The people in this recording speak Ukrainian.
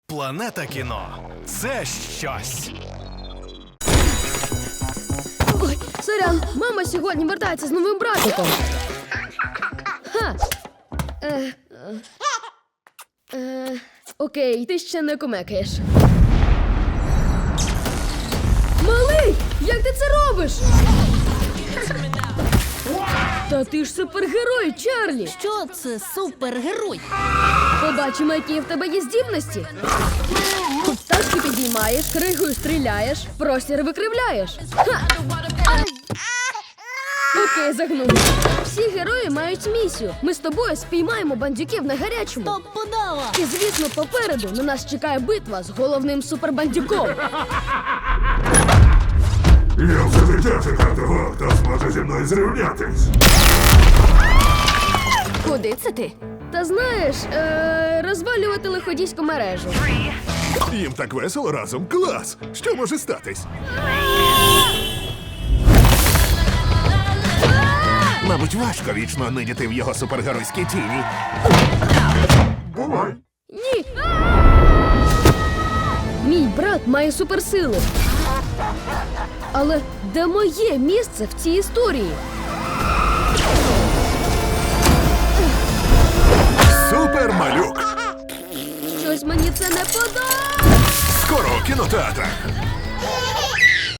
Планета кіно – це щось. Ой, сорян, мама сьогодні вертається з новим братиком. Ха. Окей, ти ще не кумекаєш. Малий, як ти це робиш? Та ти ж супергерой, Чарлі. Що це супергерой? Побачимо, які в тебе є здібності. Тачки підіймаєш, кригою стріляєш, простір викривляєш. Ха! Окей, загнув. Всі герої мають місію. Ми з тобою спіймаємо бандюків на гарячому. Топ подава! І, звісно, попереду на нас чекає битва з головним супербандюком. Я все життя чекав того, хто зможе зі мною зрівнятись. Куди це ти? Та знаєш, розвалювати лиходійську мережу. Їм так весело разом. Клас! Що може статись? Мабуть, важко вічно нидіти в його супергеройській тіні. Бувай! Ні! Мій брат має суперсили. Але де моє місце в цій історії? Супермалюк! Щось мені це не подобається. Скоро у кінотеатрах!